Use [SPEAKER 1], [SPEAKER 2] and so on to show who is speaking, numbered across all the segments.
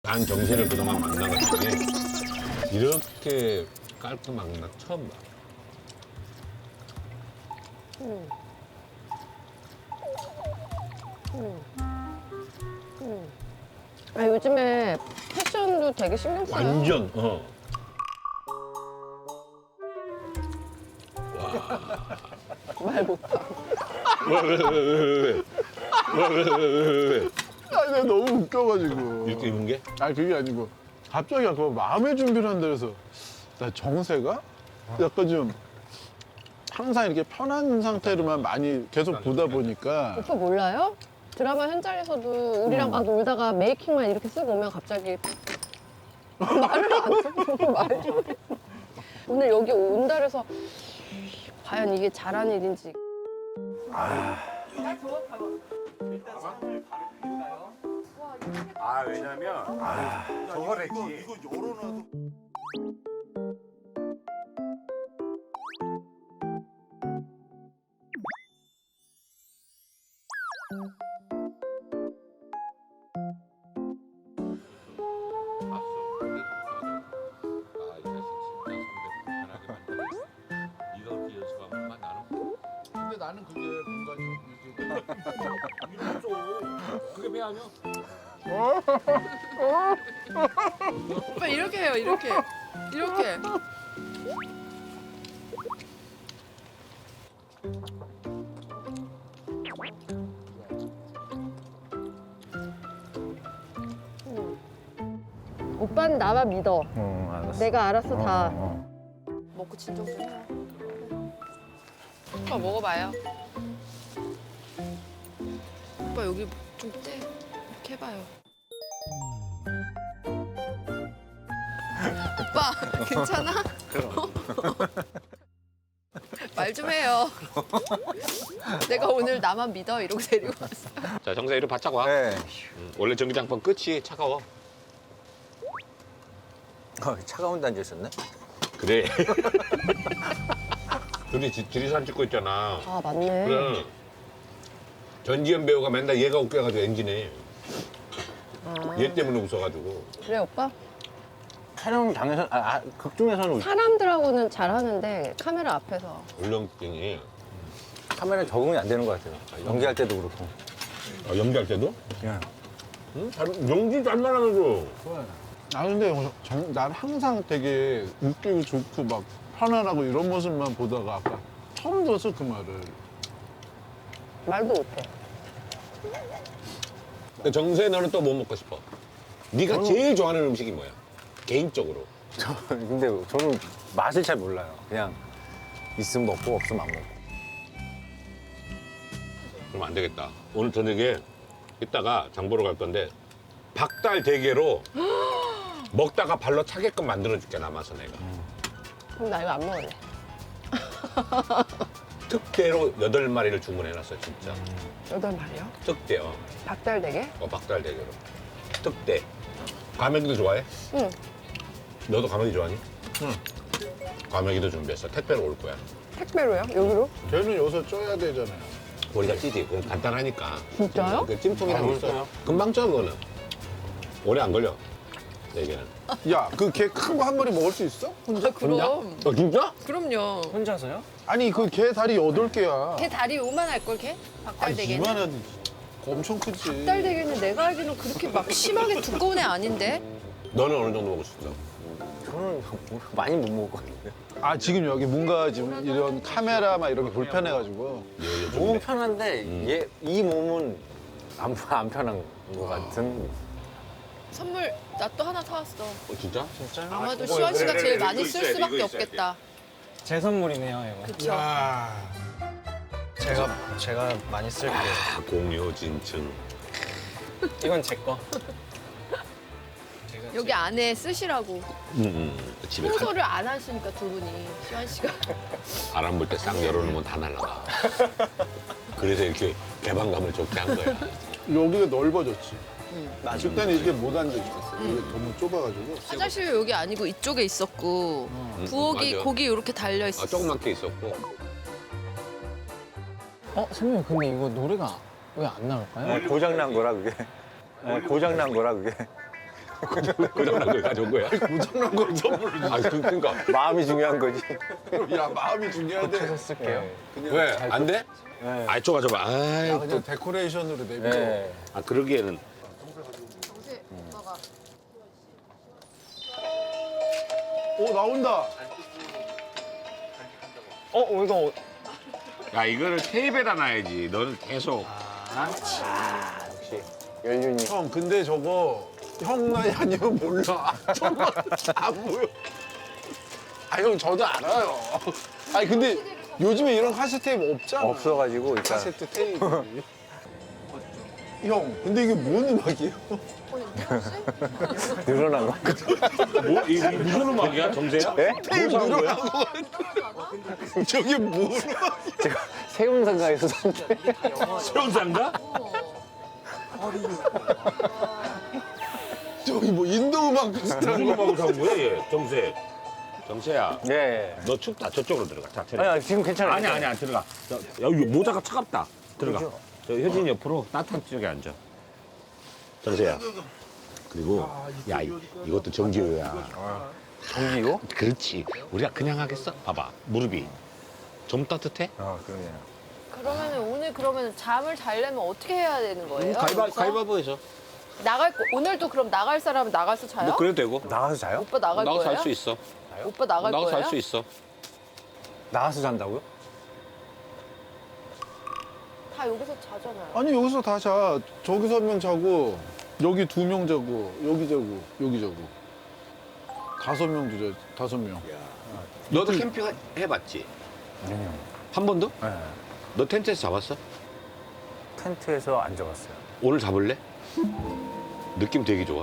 [SPEAKER 1] 난 정세를 그동안 만나봤더니 이렇게 깔끔한 건 처음 봐.
[SPEAKER 2] 아, 요즘에 패션도 되게 신경 써요.
[SPEAKER 1] 완전
[SPEAKER 2] 말 못하.
[SPEAKER 1] 왜?
[SPEAKER 3] 아니, 내가 너무 웃겨가지고.
[SPEAKER 1] 이렇게 입은 게?
[SPEAKER 3] 아니, 그게 아니고. 갑자기 아까 마음의 준비를 한다 그래서 나 정세가 약간 좀 항상 이렇게 편한 상태로만 많이 계속 보다 보니까
[SPEAKER 2] 오빠 몰라요? 드라마 현장에서도 우리랑 막 놀다가 메이킹만 이렇게 쓰고 오면 갑자기 말을 안 써. 말 좀. 오늘 여기 온다 그래서 과연 이게 잘한 일인지.
[SPEAKER 4] 아 왜냐면 저걸 했지.
[SPEAKER 3] 근데 나는 그게 뭔가 좀
[SPEAKER 1] 그게 왜 아니야?
[SPEAKER 5] 오빠 이렇게 해요, 이렇게. 이렇게.
[SPEAKER 2] 오빠는 나만 믿어.
[SPEAKER 3] 알았어.
[SPEAKER 2] 내가 알아서 다.
[SPEAKER 5] 먹고 진정 좀 해요. 오빠 먹어봐요. 오빠 여기 좀 떼. 이렇게 해봐요. 오빠 괜찮아? 말 좀 해요. 내가 오늘 나만 믿어 이러고 데리고 왔어.
[SPEAKER 1] 자, 정세 이리 바짝 와.
[SPEAKER 4] 네.
[SPEAKER 1] 원래 전기장판 끝이 차가워.
[SPEAKER 4] 차가운 단지 있었네.
[SPEAKER 1] 그래. 둘이 지리산 찍고 있잖아.
[SPEAKER 2] 아, 맞네.
[SPEAKER 1] 그래. 전지현 배우가 맨날 얘가 웃겨가지고 엔진해. 얘 때문에 웃어가지고.
[SPEAKER 2] 그래, 오빠?
[SPEAKER 4] 촬영장에서 극 중에서는
[SPEAKER 2] 사람들하고는 잘하는데 카메라 앞에서.
[SPEAKER 1] 울렁증이.
[SPEAKER 4] 카메라 적응이 안 되는 것 같아요. 연기할 때도 그렇고.
[SPEAKER 1] 연기할 때도?
[SPEAKER 4] 예.
[SPEAKER 1] 응? 연기 잘 말하면서.
[SPEAKER 3] 아 근데 난 항상 되게 웃기고 좋고 막 편안하고 이런 모습만 보다가 아까 처음 들었어 그 말을.
[SPEAKER 2] 말도 못해.
[SPEAKER 1] 근데 정세 너는 또 뭐 먹고 싶어? 네가 제일 좋아하는 음식이 뭐야? 개인적으로.
[SPEAKER 4] 근데 저는 맛을 잘 몰라요. 그냥 있으면 먹고 없으면 안 먹고.
[SPEAKER 1] 그럼 안 되겠다. 오늘 저녁에 이따가 장 보러 갈 건데 박달 대게로 먹다가 발로 차게끔 만들어줄게 남아서 내가.
[SPEAKER 2] 그럼 나 이거 안 먹을래.
[SPEAKER 1] 특대로 8마리를 주문해놨어 진짜.
[SPEAKER 2] 8마리요?
[SPEAKER 1] 특대요.
[SPEAKER 2] 박달대게?
[SPEAKER 1] 박달 대게로. 특대. 과메기도 좋아해?
[SPEAKER 2] 응.
[SPEAKER 1] 너도 과메기 좋아하니? 응. 과메기도 준비했어. 택배로 올 거야.
[SPEAKER 2] 택배로요? 여기로?
[SPEAKER 3] 걔는 여기서 쪄야 되잖아요.
[SPEAKER 1] 우리가 찌지. 그건 간단하니까.
[SPEAKER 2] 진짜요?
[SPEAKER 1] 그 찜통이랑 있어. 금방 쪄 그거는. 오래 안 걸려. 대게는.
[SPEAKER 3] 야, 그 개 큰 거 한 마리 먹을 수 있어?
[SPEAKER 5] 아, 그럼.
[SPEAKER 1] 진짜?
[SPEAKER 5] 그럼요.
[SPEAKER 4] 혼자서요?
[SPEAKER 3] 아니 그 개 다리 8개야.
[SPEAKER 5] 걔 다리 요만할 걸 걔? 박달대게는?
[SPEAKER 3] 이만한 엄청 크지.
[SPEAKER 5] 박달대게는 내가 알기로는 그렇게 막 심하게 두꺼운 애 아닌데?
[SPEAKER 1] 너는 어느 정도 먹을 수 있어?
[SPEAKER 4] 저는 많이 못 먹을 것 같은데.
[SPEAKER 3] 아 지금 여기 뭔가 지금 이런 카메라 막 이런 게 불편해가지고.
[SPEAKER 4] 몸은 편한데 이 몸은 안 편한 것 같은.
[SPEAKER 5] 선물 나 또 하나 사왔어.
[SPEAKER 1] 진짜?
[SPEAKER 5] 아마도 시원 씨가 제일 많이 쓸 수밖에 없겠다.
[SPEAKER 6] 제 선물이네요, 이거.
[SPEAKER 5] 그쵸?
[SPEAKER 6] 제가 많이 쓸게요.
[SPEAKER 1] 아, 공유 진층.
[SPEAKER 6] 이건 제 거.
[SPEAKER 5] 여기 안에 쓰시라고.
[SPEAKER 1] 집에 가,
[SPEAKER 5] 청소를 안 하시니까 두 분이 시원 씨가.
[SPEAKER 1] 바람 불 때 싹 열어놓으면 다 날아가. 그래서 이렇게 개방감을 좋게 한 거야.
[SPEAKER 3] 여기가 넓어졌지. 그때는 이렇게 못 앉아있었어. 이게 너무 좁아가지고.
[SPEAKER 5] 화장실 여기 아니고 이쪽에 있었고 부엌이
[SPEAKER 1] 맞아.
[SPEAKER 5] 고기 이렇게 달려 있었어.
[SPEAKER 1] 조그맣게 있었고.
[SPEAKER 6] 선배님, 근데 이거 노래가 왜 안 나올까요?
[SPEAKER 4] 고장 난 거라 그게. 고장 난 거라 그게.
[SPEAKER 1] 고장난 걸 가져온 거야?
[SPEAKER 3] 고장난 걸 선물로 줘.
[SPEAKER 1] 아, 그러니까.
[SPEAKER 4] 마음이 중요한 거지.
[SPEAKER 3] 야 마음이 중요하대.
[SPEAKER 6] 쓸게요.
[SPEAKER 1] 왜? 안 돼?
[SPEAKER 4] 네.
[SPEAKER 1] 아, 이쪽 가져봐. 아이,
[SPEAKER 3] 야 그냥 데코레이션으로 내밀어.
[SPEAKER 4] 네.
[SPEAKER 1] 아, 그러기에는.
[SPEAKER 2] 정세 오빠가
[SPEAKER 3] 오 나온다.
[SPEAKER 6] 이거
[SPEAKER 1] 야, 이거를 테이프에다 놔야지. 너는 계속.
[SPEAKER 4] 역시 연륜이.
[SPEAKER 3] 형 근데 저거 형 나이 아니면 몰라. 정말 안 보여. 아 형 저도 알아요. 아니 근데 요즘에 이런 카세트 테이프 없잖아.
[SPEAKER 4] 없어가지고 일단
[SPEAKER 3] 카세트 테이프. 형 근데 이게 뭔 음악이에요?
[SPEAKER 4] 늘어난 거.
[SPEAKER 1] 뭐, 이 무슨 음악이야, 정세야?
[SPEAKER 4] 네?
[SPEAKER 3] 테이프
[SPEAKER 1] 뭐 사는 거야?
[SPEAKER 3] 늘어난 거 같아. 저게 뭐
[SPEAKER 4] 제가 세운상가에서 샀는데.
[SPEAKER 1] 수영장가?
[SPEAKER 3] 저기 뭐 인도 음악 비슷한
[SPEAKER 1] 무슨
[SPEAKER 3] 거.
[SPEAKER 1] 음악을 사는 거야, 얘? 정세. 정세야,
[SPEAKER 4] 예.
[SPEAKER 1] 너 춥다. 저쪽으로 들어가. 자, 들어가.
[SPEAKER 4] 아니 지금 괜찮아요.
[SPEAKER 1] 아니야, 들어가. 야, 여기 모자가 차갑다. 들어가. 저 효진이 옆으로 따뜻한 쪽에 앉아. 정세야. 그리고, 야, 이것도 정기호야.
[SPEAKER 4] 전기요?
[SPEAKER 1] 그렇지. 우리가 그냥 하겠어? 봐봐. 무릎이. 좀 따뜻해?
[SPEAKER 4] 아 그러네요.
[SPEAKER 5] 그러면은 오늘 그러면 잠을 자려면 어떻게 해야 되는 거예요? 여기서?
[SPEAKER 1] 가위바위보해서.
[SPEAKER 5] 오늘도 그럼 나갈 사람은 나가서 자요?
[SPEAKER 1] 뭐 그래도 되고.
[SPEAKER 4] 나가서 자요?
[SPEAKER 5] 오빠 나갈
[SPEAKER 1] 나가서
[SPEAKER 5] 거예요?
[SPEAKER 1] 할 수 있어.
[SPEAKER 5] 오빠 나갈
[SPEAKER 1] 나가서
[SPEAKER 5] 거예요?
[SPEAKER 1] 할 수 있어.
[SPEAKER 4] 나가서 잔다고요?
[SPEAKER 5] 다 여기서 자잖아요.
[SPEAKER 3] 아니 여기서 다 자. 저기서 한 명 자고 여기 2명 자고 여기 자고 여기 자고 5명도 자. 5명.
[SPEAKER 1] 너도 캠핑 해봤지?
[SPEAKER 4] 아니요.
[SPEAKER 1] 한 번도?
[SPEAKER 4] 네.
[SPEAKER 1] 너 텐트에서 잡았어?
[SPEAKER 4] 텐트에서 앉아봤어요.
[SPEAKER 1] 오늘 잡을래? 느낌 되게 좋아.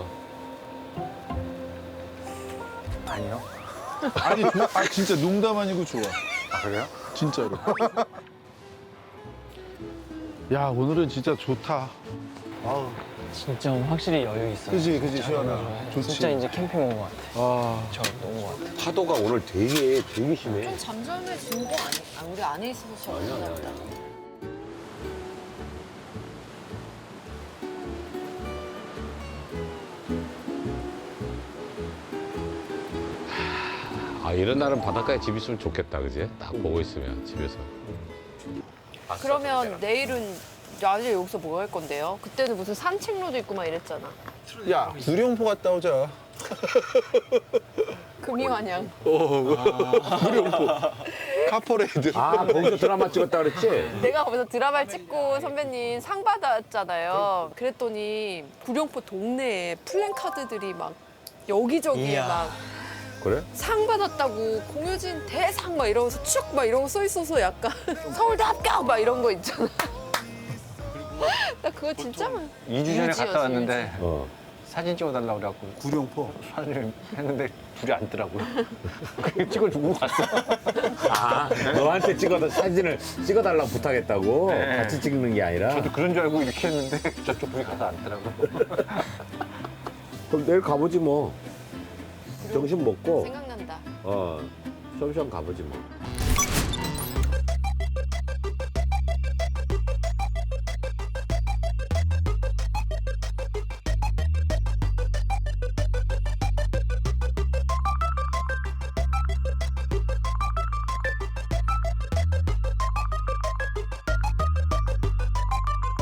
[SPEAKER 4] 아니요.
[SPEAKER 3] 아니 아 진짜 농담 아니고 좋아.
[SPEAKER 4] 아 그래요?
[SPEAKER 3] 진짜로. 야 오늘은 진짜 좋다.
[SPEAKER 4] 아우.
[SPEAKER 6] 진짜 확실히 여유 있어요.
[SPEAKER 3] 그지 시원하. 좋지.
[SPEAKER 6] 진짜 이제 캠핑 온 것 같아.
[SPEAKER 3] 아
[SPEAKER 6] 저 온 것 같아.
[SPEAKER 1] 파도가 오늘 되게 심해.
[SPEAKER 5] 좀 잠잠해진 거 아니야? 우리 안에 있어서 그런가 보다.
[SPEAKER 1] 아, 이런 날은 바닷가에 집 있으면 좋겠다, 그지? 딱 보고 있으면 집에서.
[SPEAKER 5] 그러면 내일은 낮에 여기서 뭐 할 건데요? 그때는 무슨 산책로도 있고 막 이랬잖아.
[SPEAKER 3] 야 구룡포 갔다 오자.
[SPEAKER 5] 금이환영.
[SPEAKER 3] 구룡포. 카퍼레이드.
[SPEAKER 1] 아, 거기서 드라마 찍었다 그랬지?
[SPEAKER 5] 내가 거기서 드라마를 찍고 선배님 상 받았잖아요. 그랬더니 구룡포 동네에 플랜카드들이 막 여기저기에
[SPEAKER 6] 이야.
[SPEAKER 5] 막
[SPEAKER 1] 그래?
[SPEAKER 5] 상 받았다고 공효진 대상 막 이러면서 쭉 막 이런 거 써 있어서 약간 서울대 합격 막 이런 거 있잖아. 나 그거 진짜 많이
[SPEAKER 4] 2주 전에
[SPEAKER 5] 유지요,
[SPEAKER 4] 갔다 왔는데
[SPEAKER 1] 어.
[SPEAKER 4] 사진 찍어달라고 그래갖고
[SPEAKER 3] 구룡포.
[SPEAKER 4] 사진을 했는데 둘이 앉더라고요. 그냥 찍어주고 갔어.
[SPEAKER 1] 아, 너한테 사진을 찍어달라고 부탁했다고?
[SPEAKER 4] 네.
[SPEAKER 1] 같이 찍는 게 아니라?
[SPEAKER 4] 저도 그런 줄 알고 이렇게 했는데 저쪽 분이 가서 앉더라고.
[SPEAKER 1] 그럼 내일 가보지 뭐. 점심 먹고,
[SPEAKER 5] 생각난다.
[SPEAKER 1] 셔엄셔엄 가보지 뭐.